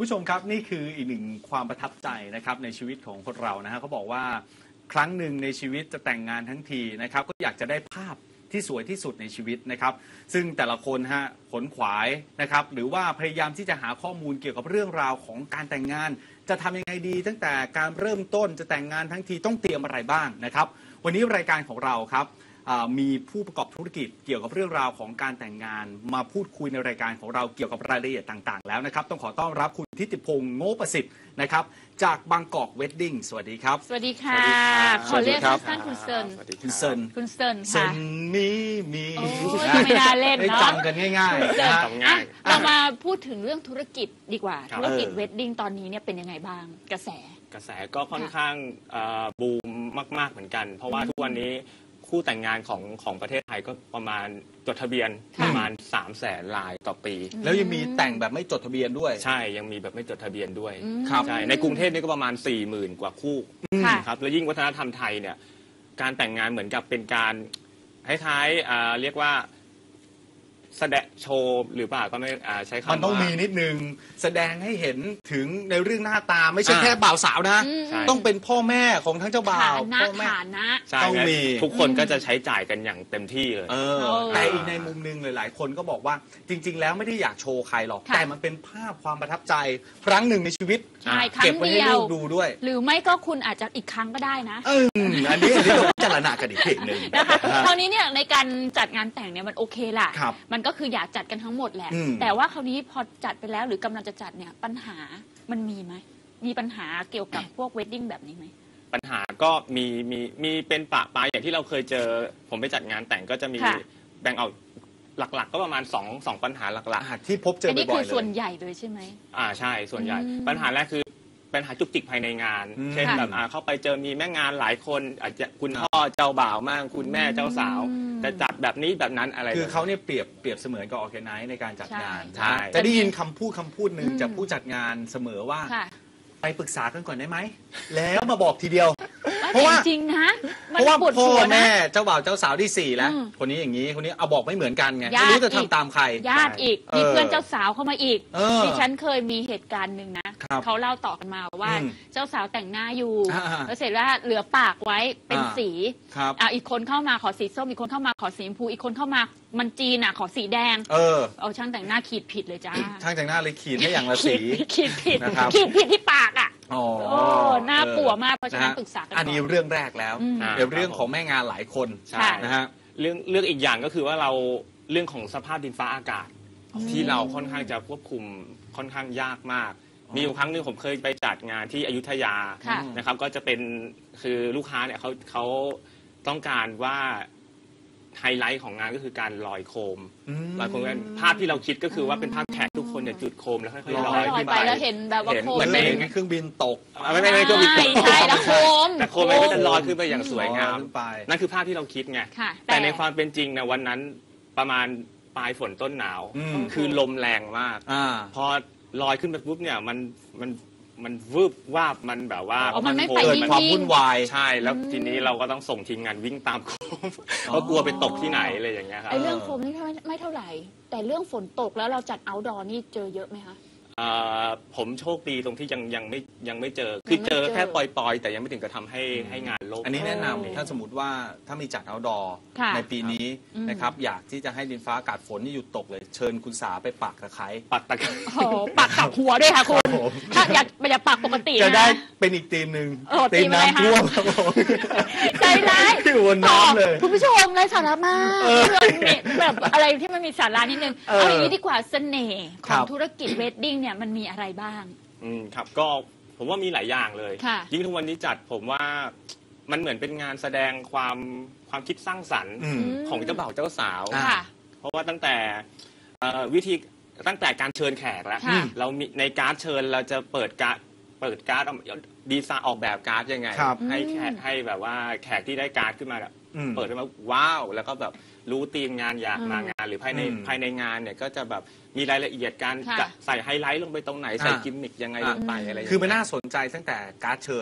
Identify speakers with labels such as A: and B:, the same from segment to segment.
A: ผู้ชมครับนี่คืออีกหนึ่งความประทับใจนะครับในชีวิตของคนเรานะฮะเขาบอกว่าครั้งหนึ่งในชีวิตจะแต่งงานทั้งทีนะครับก็อยากจะได้ภาพที่สวยที่สุดในชีวิตนะครับซึ่งแต่ละคนฮะขนขวายนะครับหรือว่าพยายามที่จะหาข้อมูลเกี่ยวกับเรื่องราวของการแต่งงานจะทำยังไงดีตั้งแต่การเริ่มต้นจะแต่งงานทั้งทีต้องเตรียมอะไรบ้างนะครับวันนี้รายการของเราครับมีผู้ประกอบธุรกิจเกี่ยวกับเรื่องราวของการแต่งงานมาพูดคุยในรายการของเราเกี่ยวกับรายละเอียดต่างๆแล้วนะครับต้องขอต้อนรับคุณทิติพงษ์โง่ประสิทธิ์นะครับจากบางกอกเวดดิ้งสวัสดีครับ
B: สวัสดีค่ะขอเรียกสั้นๆคุณเซิน
A: คุณเซิน
B: คุณเซิน
A: ค่ะ
B: นี้
A: มี
B: ไม่น่าเล่นเนาะ
A: จำกันง่ายๆ
B: นะเรามาพูดถึงเรื่องธุรกิจดีกว่าธุรกิจเวดดิ้งตอนนี้เนี่ยเป็นยังไงบ้างกระแส
C: ก็ค่อนข้างบูมมากๆเหมือนกันเพราะว่าทุกวันนี้คู่แต่งงานของประเทศไทยก็ประมาณจดทะเบียนประมาณ300,000 รายต่อปี
A: แล้วยังมีแต่งแบบไม่จดทะเบียนด้วย
C: ใช่ยังมีแบบไม่จดทะเบียนด้วยใช่ในกรุงเทพนี่ก็ประมาณ 40,000 กว่าคู่ครับแล้วยิ่งวัฒนธรรมไทยเนี่ยการแต่งงานเหมือนกับเป็นการคล้ายๆเรียกว่าแสดงโชว์หรือเปล่าก็ไม่ใช้คำว่า
A: มันต้องมีนิดนึงแสดงให้เห็นถึงในเรื่องหน้าตาไม่ใช่แค่บ่าวสาวนะต้องเป็นพ่อแม่ของทั้งเจ้าบ่าว
B: พ่อแม่
C: ต้องมีทุกคนก็จะใช้จ่ายกันอย่างเต็มที่เลย
A: แต่อีกในมุมนึงหลายๆคนก็บอกว่าจริงๆแล้วไม่ได้อยากโชว์ใครหรอกแต่มันเป็นภาพความประทับใจครั้งหนึ่งในชีวิตเก็บไว้ให้ลูกดูด้วย
B: หรือไม่ก็คุณอาจจะอีกครั้งก็ได้นะ
A: อันนี้เราพิจารณากันอีกทีหนึ่ง
B: นะคะคราวนี้เนี่ยในการจัดงานแต่งเนี่ยมันโอเคแหละมันก็คืออยากจัดกันทั้งหมดแหละแต่ว่าคราวนี้พอจัดไปแล้วหรือกำลังจะจัดเนี่ยปัญหามันมีไหมมีปัญหาเกี่ยวกับพวกเวดดิ้งแบบนี้ไหม
C: ปัญหาก็มีเป็นปะปายอย่างที่เราเคยเจอผมไปจัดงานแต่งก็จะมีแบ่งออกหลักๆก็ประมาณ2ปัญหาหลัก
A: ๆที่พบเจอบ่อยๆเลย
B: อันนี้คือส่วนใหญ่เลยใช่ไหม
C: ใช่ส่วนใหญ่ปัญหาแรกคือปัญหาจุกจิกภายในงานเช่นแบบเข้าไปเจอมีแม่งานหลายคนอาจจะคุณพ่อเจ้าบ่าวมั่งคุณแม่เจ้าสาวจะจัดแบบนี้แบบนั้นอะไร
A: คือเขาเนี่ยเปรียบเสมือนกับออร์แกไนซ์ในการจัดงานใช่จะได้ยินคำพูดหนึ่งจากผู้จัดงานเสมอว่าไปปรึกษากันก่อนได้ไหมแล้วมาบอกทีเดียว
B: เพราะว่าจริงนะ
A: เพราะว่าพ่อแม่เจ้าบ่าวเจ้าสาวที่4แล้วคนนี้อย่างนี้คนนี้เอาบอกไม่เหมือนกันไงไม่รู้จะทำตามใคร
B: ญาติอีกมีเพื่อนเจ้าสาวเข้ามาอีกดิฉันเคยมีเหตุการณ์หนึ่งนะเขาเล่าต่อกันมาว่าเจ้าสาวแต่งหน้าอยู่แล้วเสร็จแล้วเหลือปากไว้เป็นสีอีกคนเข้ามาขอสีส้มอีกคนเข้ามาขอสีชมพูอีกคนเข้ามามันจีนขอสีแดงเอาช่างแต่งหน้าขีดผิดเลยจ้า
A: ช่างแต่งหน้าเลยขีดให้อย่างละสี
B: ขีดผิดที่ปากหน้าปัวมากเพราะฉะนั้นปรึกษากัน
A: อันนี้เรื่องแรกแล้วเรื่องของแม่งานหลายคนนะฮะ
C: เรื่องอีกอย่างก็คือว่าเราเรื่องของสภาพดินฟ้าอากาศที่เราค่อนข้างจะควบคุมค่อนข้างยากมากมีอยู่ครั้งหนึ่งผมเคยไปจัดงานที่อยุธยานะครับก็จะเป็นคือลูกค้าเนี่ยเขาต้องการว่าไฮไลท์ของงานก็คือการลอยโคมลอยโคมภาพที่เราคิดก็คือว่าเป็นภาพแขกทุกคนเนี่ยจุดโคมแล้วค่อยๆลอยขึ้นไป
B: แล้วเห็นแบบว่าโคม
A: เหมือนเครื่องบินตก
C: ไม่เครื่องบินตก
B: ใช่แล้วโคม
C: แต่โคมมันก็จะลอยขึ้นไปอย่างสวยงามนั่นคือภาพที่เราคิดไงแต่ในความเป็นจริงนะวันนั้นประมาณปลายฝนต้นหนาวคือลมแรงมากพอลอยขึ้นไปปุ๊บเนี่ยมันวืบวาบมันแบบว่า
B: มันไม่ไป
A: ความวุ่นวาย
C: ใช่แล้วทีนี้เราก็ต้องส่งทีมงานวิ่งตามโคมเพราะกลัวไปตกที่ไหนอะไรอย่างเงี้ยครับ
B: ไอ้เรื่องโคมนี่ไม่เท่าไหร่แต่เรื่องฝนตกแล้วเราจัดเอาท์ดอร์นี่เจอเยอะไหมคะ
C: ผมโชคดีตรงที่ยังไม่เจอคือเจอแค่ปล่อยๆแต่ยังไม่ถึงกับทำให้งานล่ม
A: อันนี้แนะนำถ้าสมมติว่าถ้ามีจัดเอาท์ดอร์ในปีนี้นะครับอยากที่จะให้ดินฟ้าอากาศฝนนี่หยุดตกเลยเชิญคุณสาไปปักตะไคร้
C: ปักตะไคร้
B: ปักกับหัวด้วยค่ะคุณถ้าอยากปักปกติ
A: จะได้เป็นอีกทีมหนึ่งทีมน้ำท่วมครับผม
B: ใจร้าย
A: วนน้ำเลย
B: คุณผู้ชมไร้สาระมากแบบอะไรที่มันมีสาระนิดนึงเอาอย่างนี้ดีกว่าเสน่ห์ของธุรกิจเวดดิ้งเนี่ยมันมีอะไรบ้าง
C: ครับก็ผมว่ามีหลายอย่างเลยยิ่งทุกวันนี้จัดผมว่ามันเหมือนเป็นงานแสดงความคิดสร้างสรรค์ของเจ้าบ่าวเจ้าสาวเพราะว่าตั้งแต่ตั้งแต่การเชิญแขกแล้วเรามีในการ์ดเชิญเราจะเปิดการ์ดดีไซน์ออกแบบการ์ดยังไงให้แขกให้แบบว่าแขกที่ได้การ์ดขึ้นมาเปิดขึ้นมาว้าวแล้วก็แบบรู้ธีมงานอยากมางานหรือภายในงานเนี่ยก็จะแบบมีรายละเอียดการใส่ไฮไลท์ลงไปตรงไหนใส่กิมมิคยังไงลงไปอะไร
A: คือมันน่าสนใจตั้งแต่การ์ดเชิญ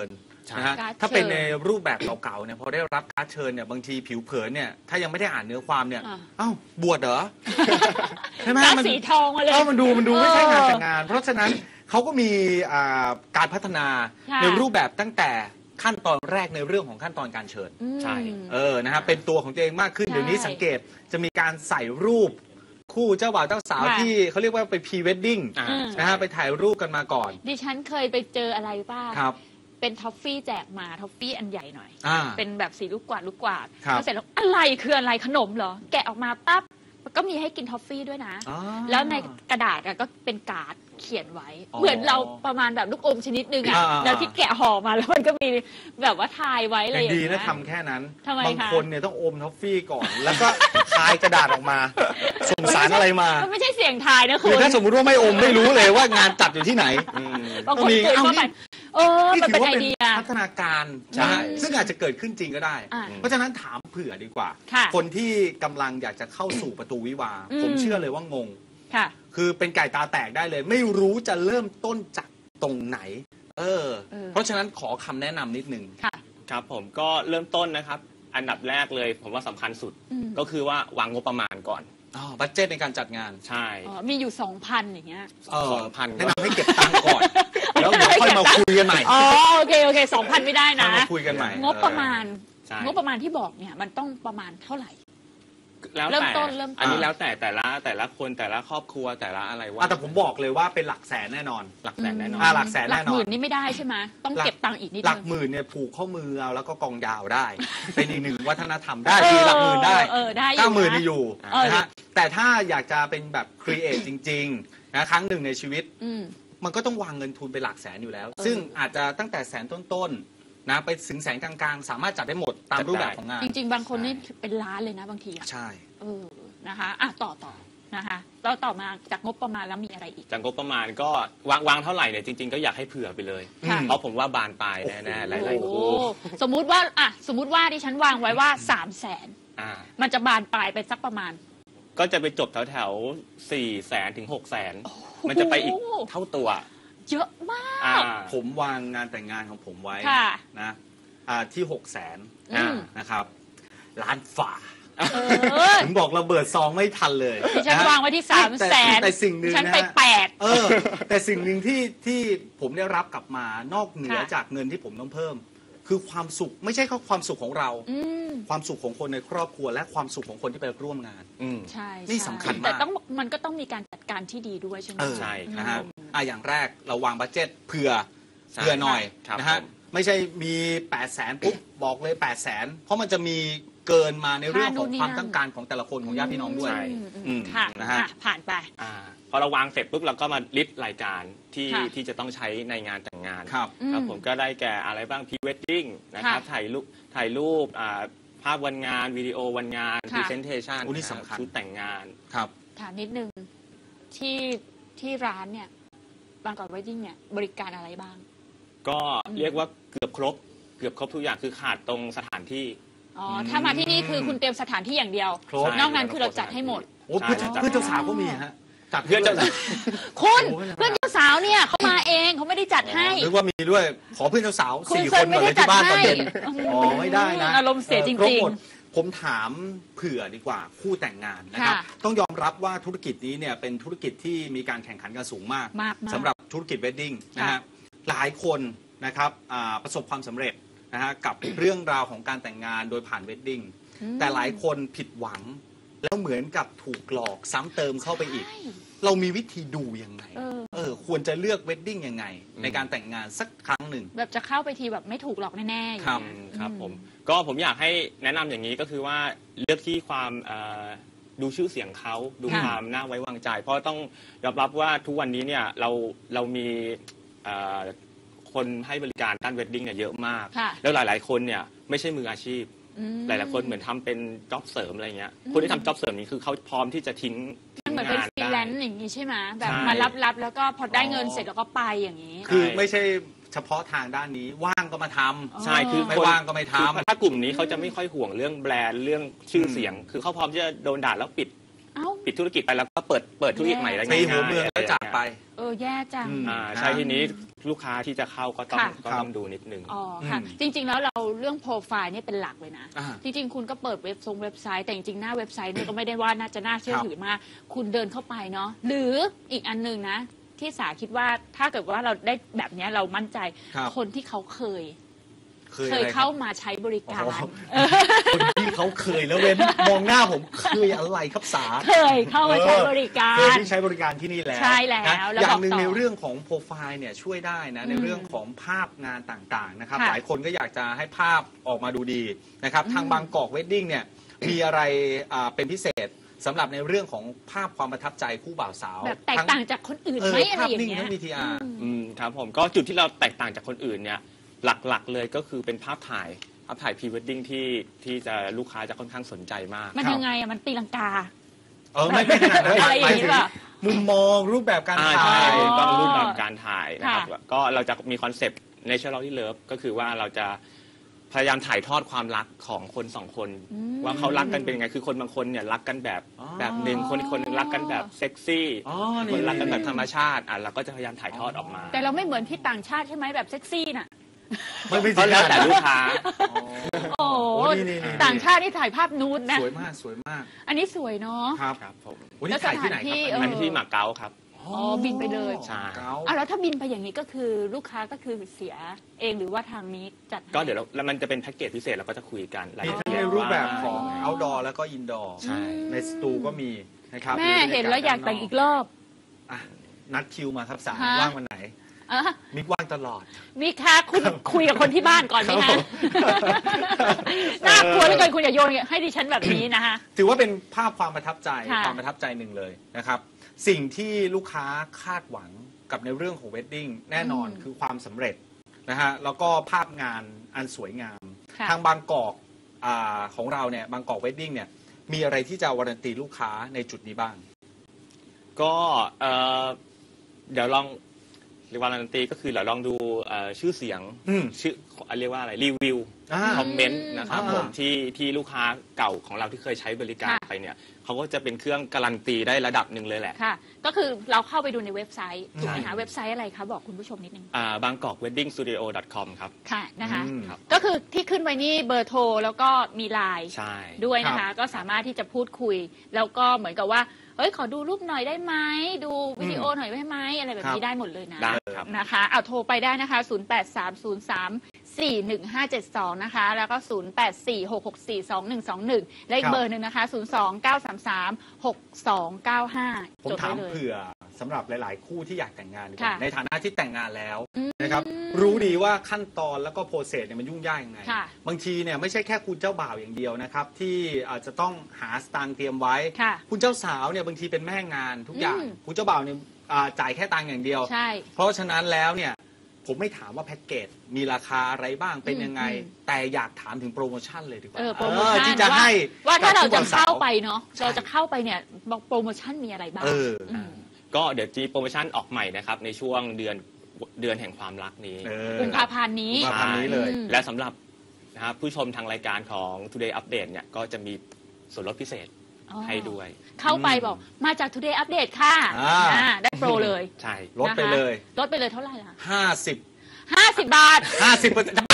A: นะฮะถ้าเป็นในรูปแบบเก่าๆเนี่ยพอได้รับการ์ดเชิญเนี่ยบางทีผิวเผินเนี่ยถ้ายังไม่ได้อ่านเนื้อความเนี่ยเอ้าบวชเหรอใช่ไหม
B: มันสีทองมาเลย
A: มันดูไม่ใช่งานแต่งงานเพราะฉะนั้นเขาก็มีการพัฒนาในรูปแบบตั้งแต่ขั้นตอนแรกในเรื่องของขั้นตอนการเชิญ
C: ใช่
A: นะฮะเป็นตัวของตัวเองมากขึ้นเดี๋ยวนี้สังเกตจะมีการใส่รูปคู่เจ้าบ่าวเจ้าสาวที่เขาเรียกว่าไปพรีเวดดิ้งนะฮะไปถ่ายรูปกันมาก่อน
B: ดิฉันเคยไปเจออะไรบ้างเป็นท็อฟฟี่แจกมาท็อฟฟี่อันใหญ่หน่อยเป็นแบบสีลูกกวาดแล้วเสร็จแล้วอะไรคืออะไรขนมเหรอแกะออกมาปั๊บก็มีให้กินท็อฟฟี่ด้วยนะแล้วในกระดาษก็เป็นการ์ดเขียนไว้เหมือนเราประมาณแบบลูกอมชนิดนึงแล้วที่แกะห่อมาแล้วมันก็มีแบบว่าทายไว้เลย
A: ดีนะทำแค่นั้นบางคนเนี่ยต้องอมท็อฟฟี่ก่อนแล้วก็ทายกระดาษออกมาส่งสารอะไรมา
B: มันไม่ใช่เสียงทายนะคุณ
A: ถ้าสมมติว่าไม่อมไม่รู้เลยว่างานจัดอยู่ที่ไหน
B: บางคนเกิดเข้าไปมันเป็นไอเดีย
A: พัฒนาการซึ่งอาจจะเกิดขึ้นจริงก็ได้เพราะฉะนั้นถามเผื่อดีกว่าคนที่กำลังอยากจะเข้าสู่ประตูวิวาห์ผมเชื่อเลยว่างงคือเป็นไก่ตาแตกได้เลยไม่รู้จะเริ่มต้นจากตรงไหนเพราะฉะนั้นขอคำแนะนำนิดนึง
C: ครับผมก็เริ่มต้นนะครับอันดับแรกเลยผมว่าสำคัญสุดก็คือว่าวางงบประมาณก่อน
A: บัดเจ็ตในการจัดงาน
C: ใช่
B: มีอยู่ 2,000 อย่างเงี้ย
C: 2,000
A: แนะนำให้เก็บตังค์ก่อนแล้วเดี๋ยวค่อยมาคุยกันใหม่
B: โอเค 2,000 ไม่ได้นะ
A: มาคุยกันใหม่
B: งบประมาณที่บอกเนี่ยมันต้องประมาณเท่าไหร่
C: แล้วแต่อันนี้แล้วแต่ละคนแต่ละครอบครัวแต่ละอะไรว่า
A: แต่ผมบอกเลยว่าเป็นหลักแสนแน่นอน
C: หลักแสนแน่นอน
A: หลักแสนแน่นอน
B: หลักหมื่นนี่ไม่ได้ใช่ไหมต้องเก็บตังค์อีกนิดนึง
A: หลักหมื่นเนี่ยผูกข้อมือเอาแล้วก็กองยาวได้เป็นอีกหนึ่งวัฒนธรรมได้คือหลักหมื่นได้90,000นี่อยู่นะฮะแต่ถ้าอยากจะเป็นแบบครีเอทจริงๆนะครั้งหนึ่งในชีวิตมันก็ต้องวางเงินทุนไปหลักแสนอยู่แล้วซึ่งอาจจะตั้งแต่แสนต้นนะไปถึงแสนกลางๆสามารถจัดได้หมดตามรูปแบบของงาน
B: จริงๆบางคนนี่เป็นล้านเลยนะบางที
A: ใช่
B: นะคะต่อนะคะแล้วต่อมาจากงบประมาณแล้วมีอะไรอีก
C: จากงบประมาณก็วางเท่าไหร่เนี่ยจริงๆก็อยากให้เผื่อไปเลยเพราะผมว่าบานปลายแน่ๆหลายๆคู่
B: สมมุติว่าดิฉันวางไว้ว่า300,000มันจะบานปลายไปสักประมาณ
C: ก็จะไปจบแถว400,000 ถึง 600,000มันจะไปอีกเท่าตัว
B: เยอะมาก
A: ผมวางงานแต่งงานของผมไว้นะที่600,000นะครับล้านฝ่าผมบอกระเบิดซองไม่ทันเลย
B: ฉันวางไว้ที่300,000
A: แต่สิ่งหนึ่ง
B: ฉันไป
A: 8แต่สิ่งหนึ่งที่ผมได้รับกลับมานอกเหนือจากเงินที่ผมต้องเพิ่มคือความสุขไม่ใช่แค่ความสุขของเราความสุขของคนในครอบครัวและความสุขของคนที่ไปร่วมงาน
B: ใช่
A: นี่สำคัญมาก
B: แต่มันก็ต้องมีการจัดการที่ดีด้วยใช่ไหม
A: ใช่นะฮะอย่างแรกเราวางบัดเจ็ตเผื่อหน่อยนะฮะไม่ใช่มี800,000ปุ๊บบอกเลย800,000เพราะมันจะมีเกินมาในเรื่องของความต้องการของแต่ละคนของญาติพี่น้องด้วย
B: ค่ะนะฮะผ่านไป
C: พอเราวางเสร็จปุ๊บเราก็มาลิสต์รายการที่จะต้องใช้ในงานแต่งงาน
A: ครับ
C: ผมก็ได้แก่อะไรบ้างพรีเวดดิ้งนะครับถ่ายรูปภาพวันงานวิดีโอวันงานพรีเซนเทชันชุดแต่งงาน
A: ครับ
B: ถามนิดนึงที่ร้านเนี่ยบางกอกเวดดิ้งเนี่ยบริการอะไรบ้าง
C: ก็เรียกว่าเกือบครบทุกอย่างคือขาดตรงสถานที่
B: ถ้ามาที่นี่คือคุณเตรียมสถานที่อย่างเดียวนอกนั้นคือเราจัดให้หมด
A: เพื่อนเจ้าสาวก็มีฮะ
C: จัดเพื่อนเจ้าสาว
B: คุณเพื่อนเจ้าสาวเนี่ยเขามาเองเขาไม่ได้จัดให้
A: หรือว่ามีด้วยขอเพื่อนเจ้าสาว4 คนมาเลยที่บ้านตอนเย็นไม่ได้นะ
B: อารมณ์เสียจริง
A: ๆผมถามเผื่อดีกว่าคู่แต่งงานนะครับต้องยอมรับว่าธุรกิจนี้เนี่ยเป็นธุรกิจที่มีการแข่งขันกันสูงมากสำหรับธุรกิจเวดดิ้งนะฮะหลายคนนะครับประสบความสำเร็จนะฮะกับเรื่องราวของการแต่งงานโดยผ่านเวดดิ้งแต่หลายคนผิดหวังแล้วเหมือนกับถูกหลอกซ้ำเติมเข้าไปอีกเรามีวิธีดูยังไงควรจะเลือกเวดดิ้งยังไงในการแต่งงานสักครั้งหนึ่ง
B: แบบจะเข้าไปทีแบบไม่ถูกหลอกแน่ๆ
C: ครับผมอยากให้แนะนำอย่างนี้ก็คือว่าเลือกที่ความดูชื่อเสียงเขาดูความน่าไว้วางใจเพราะต้องยอมรับว่าทุกวันนี้เนี่ยเรามีคนให้บริการด้านเวดดิ้งเนี่ยเยอะมากแล้วหลายๆคนเนี่ยไม่ใช่มืออาชีพหลายๆคนเหมือนทำเป็นจ็อบเสริมอะไรเงี้ยคนที่ทำจ็อบเสริมนี้คือเขาพร้อมที่จะทิ้ง
B: เหมือนเป็นฟรีแลนซ์อย่างนี้ใช่ไหมแบบมารับแล้วก็พอได้เงินเสร็จแล้วก็ไปอย่างนี้
A: คือไม่ใช่เฉพาะทางด้านนี้ว่างก็มาทำ
C: ใช่คือ
A: ไม่ว่างก็ไม่ทำ
C: ถ้ากลุ่มนี้เขาจะไม่ค่อยห่วงเรื่องแบรนด์เรื่องชื่อเสียงคือเขาพร้อมที่จะโดนด่าแล้วปิดปิดธุรกิจไปแล้วก็เปิดธุรกิจใหม่ได้ง่ายๆ
A: ตีหัวเมืองแล้วจากไป
B: แย่จัง
C: ใช่ทีนี้ลูกค้าที่จะเข้าก็ต้องดูนิดนึง
B: ค่ะจริงๆแล้วเราเรื่องโปรไฟล์นี่เป็นหลักเลยนะจริงๆคุณก็เปิดเว็บไซต์แต่จริงๆหน้าเว็บไซต์นี่ก็ไม่ได้ว่าน่าเชื่อถือมากคุณเดินเข้าไปเนาะหรืออีกอันนึงนะที่สาคิดว่าถ้าเกิดว่าเราได้แบบนี้เรามั่นใจคนที่เขาเคยเข้ามาใช้บริการ
A: คนที่เขาเคยแล้วเว้นมองหน้าผมเคยอะไรครับสา
B: เคยเข้ามาใช้บริการ
A: เคยที่ใช้บริการที่นี่แล้ว
B: ใช่แล้ว
A: อย่างหนึ่งในเรื่องของโปรไฟล์เนี่ยช่วยได้นะในเรื่องของภาพงานต่างๆนะครับหลายคนก็อยากจะให้ภาพออกมาดูดีนะครับทางบางกอกเวดดิ้งเนี่ยมีอะไรเป็นพิเศษสำหรับในเรื่องของภาพความประทับใจคู่บ่าวสาว
B: แบบแตกต่างจากคนอื่นไหมอะไรอย่างเงี้ย
A: ภาพนิ่งทั้ง VTR
C: ครับผมก็จุดที่เราแตกต่างจากคนอื่นเนี่ยหลักๆเลยก็คือเป็นภาพถ่ายพรีเวดดิ้งที่จะลูกค้าจะค่อนข้างสนใจมาก
B: มันยังไงมันตีลังกา
A: ไม่ขนาดนั้น
B: อะไรอย่างนี้ป่ะ
A: มุมมองรูปแบบการถ่าย
C: ต้องรูปแบบการถ่ายนะครับก็เราจะมีคอนเซปต์ Naturally Love ก็คือว่าเราจะพยายามถ่ายทอดความรักของคนสองคนว่าเขารักกันเป็นยังไงคือคนบางคนเนี่ยรักกันแบบหนึ่งคนนึงรักกันแบบเซ็กซี่คนรักกันแบบธรรมชาติเราก็จะพยายามถ่ายทอดออกมา
B: แต่เราไม่เหมือนที่ต่างชาติใช่ไหมแบบเซ็กซี่น่ะ
C: ก็แล้วแต่ลูกค้า
B: โอ้ต่างชาติที่ถ่ายภาพนูดนะ
A: สวยมากสวยมาก
B: อันนี้สวยเนาะ
A: ครับผม
C: แล้วสถานที่อันนี้ที่มาเก๊าครับ
B: บินไปเลย
C: ใช่
B: แล้วถ้าบินไปอย่างนี้ก็คือลูกค้าก็คือเสียเองหรือว่าทางนี้จัด
C: ก็เดี๋ยวแล้วมันจะเป็นแพ็กเกจพิเศษเราก็จะคุยกัน
A: รายละเอียดในรูปแบบของ outdoor แล้วก็ indoor ในสตูก็มีนะครับ
B: แม่เห็นแล้วอยากแต่งอีกรอบ
A: นัดคิวมาครับสามว่างวันไหนมิกว่างตลอด
B: มิกคะคุณคุยกับคนที่บ้านก่อนไหมคะน่ากลัวเหลือเกินคุณอย่าโยนให้ดิฉันแบบนี้นะคะ
A: ถือว่าเป็นภาพความประทับใจความประทับใจหนึ่งเลยนะครับสิ่งที่ลูกค้าคาดหวังกับในเรื่องของเวดดิ้งแน่นอนคือความสำเร็จนะฮะแล้วก็ภาพงานอันสวยงามทางบางกอกของเราเนี่ยบางกอกเวดดิ้งเนี่ยมีอะไรที่จะวารันตีลูกค้าในจุดนี้บ้าง
C: ก็เดี๋ยวลองวารันตีก็คือเราลองดูชื่อเสียงชื่อเรียกว่าอะไรรีวิวคอมเมนต์นะครับผมที่ลูกค้าเก่าของเราที่เคยใช้บริการไปเนี่ยเขาก็จะเป็นเครื่องการันตีได้ระดับหนึ่งเลยแหละ
B: ค่ะก็คือเราเข้าไปดูในเว็บไซต์ถูกไหมคะเว็บไซต์อะไรคะบอกคุณผู้ชมนิดนึง
C: bangkokweddingstudio.com ครับ
B: ค่ะนะคะก็คือที่ขึ้นไว้นี่เบอร์โทรแล้วก็มีไลน์ด้วยนะคะก็สามารถที่จะพูดคุยแล้วก็เหมือนกับว่าขอดูรูปหน่อยได้ไหมดูวิดีโอหน่อยได้ไหมอะไรแบบนี้ได้หมดเลยนะนะคะเอาโทรไปได้นะคะ0830341572นะคะแล้วก็0846642121และอีกเบอร์หนึ่งนะคะ029336295
A: ผมถามเผื่อสำหรับหลายๆคู่ที่อยากแต่งงานในฐานะที่แต่งงานแล้วนะครับรู้ดีว่าขั้นตอนแล้วก็โปรเซสเนี่ยมันยุ่งยากยังไงบางทีเนี่ยไม่ใช่แค่คุณเจ้าบ่าวอย่างเดียวนะครับที่อาจจะต้องหาสตางค์เตรียมไว้คุณเจ้าสาวเนี่ยบางทีเป็นแม่งานทุกอย่างคุณเจ้าบ่าวเนี่ยจ่ายแค่ตังค์อย่างเดียวเพราะฉะนั้นแล้วเนี่ยผมไม่ถามว่าแพ็กเกจมีราคาอะไรบ้างเป็นยังไงแต่อยากถามถึงโปรโมชั่นเลยดีกว่า
B: ที่จะให้ว่าถ้าเราจะเข้าไปเนาะเราจะเข้าไปเนี่ยโปรโมชั่นมีอะไรบ้าง
C: ก็เดี๋ยวจีโปรโมชั่นออกใหม่นะครับในช่วงเดือนแห่งความรักนี้
B: กุมภาพันธ์นี้
C: เลยและสำหรับนะครับผู้ชมทางรายการของ Today Update เนี่ยก็จะมีส่วนลดพิเศษให้ด้วย
B: เข้าไปบอกมาจาก Today Update ค่ะได้โปรเลย
A: ใช่ลดไปเลย
B: เท่าไหร่ล่ะ
A: 50 บาท50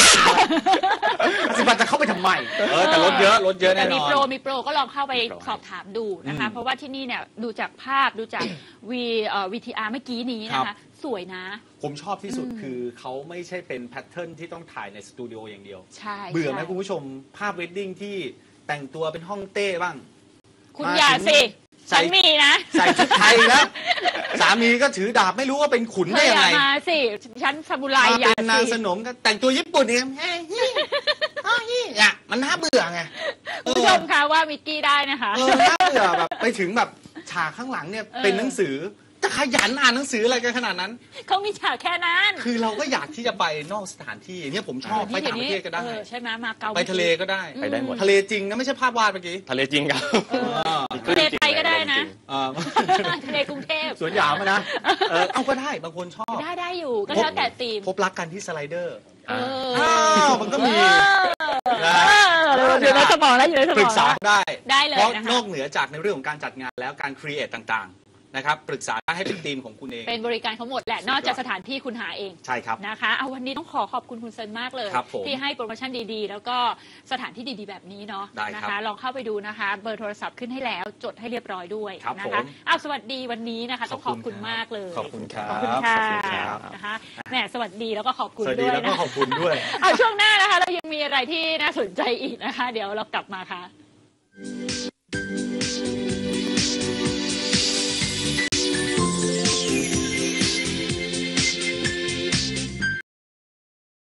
A: บาทจะเข้าไปทำไมแต่ลดเยอะแน่นอน
B: มีโปรก็ลองเข้าไปสอบถามดูนะคะเพราะว่าที่นี่เนี่ยดูจากภาพดูจากVTR เมื่อกี้นี้นะคะสวยนะ
A: ผมชอบที่สุดคือเขาไม่ใช่เป็นแพทเทิร์นที่ต้องถ่ายในสตูดิโออย่างเดียว
B: ใช่
A: เบื่อไหมคุณผู้ชมภาพเวดดิ้งที่แต่งตัวเป็นฮ่องเต้บ้าง
B: คุณอย่าสิฉันมีนะ
A: ใส่ชุดไทยแล้วสามีก็ถือดาบไม่รู้ว่าเป็นขุนได้ยังไง
B: มาสิฉันซามูไร
A: อย่าเป็นนางสนมก็แต่งตัวญี่ปุ่นเองมันน่าเบื่อไง
B: คุณผู้ชมคะว่ามิกกี้ได้นะคะ
A: น่าเบื่อแบบไปถึงแบบฉากข้างหลังเนี่ยเป็นหนังสือจะขยันอ่านหนังสืออะไรกันขนาดนั้น
B: เขามีฉากแค่นั้น
A: คือเราก็อยากที่จะไปนอกสถานที่เนี่ยผมชอบไปต่างประเทศก็ได้
B: ใช่ไหมมาเกา
A: ไปทะเลก็ได้
C: ไปได้หมด
A: ทะเลจริงนะไม่ใช่ภาพวาดเมื่อกี้
C: ทะเลจริงครับ
B: ทะเลไทยก็ได้นะทะเลกรุงเทพ
A: สวนหยามนะเอาก็ได้บางคนชอบ
B: ได้อยู่ก็แล้วแต่ธีม
A: พบรักกันที่สไลเดอร์มันก็มี
B: เดี๋ยวนะทมองแล้วอยู่ในสมอง
A: ปรึกษาได้
B: เลย
A: เพราะนอกเหนือจากในเรื่องของการจัดงานแล้วการครีเอทต่างๆนะครับปรึกษาให้เป็นทีมของคุณเอง
B: เป็นบริการเขาหมดแหละนอกจากสถานที่คุณหาเอง
A: ใช่ครับ
B: นะคะเอาวันนี้ต้องขอบคุณคุณเซินมากเลยที่ให้โปรโมชั่นดีๆแล้วก็สถานที่ดีๆแบบนี้เนาะนะคะลองเข้าไปดูนะคะเบอร์โทรศัพท์ขึ้นให้แล้วจดให้เรียบร้อยด้วยนะคะสวัสดีวันนี้นะคะต้องขอบคุณมากเลย
A: ขอบคุณครับ
B: ขอบคุณค่ะนะคะแหมสวัสดีแล้วก็ขอบคุณ
A: ด้วยแล้วก็ขอบคุณด้วย
B: เอาช่วงหน้านะคะเรายังมีอะไรที่น่าสนใจอีกนะคะเดี๋ยวเรากลับมาค่ะ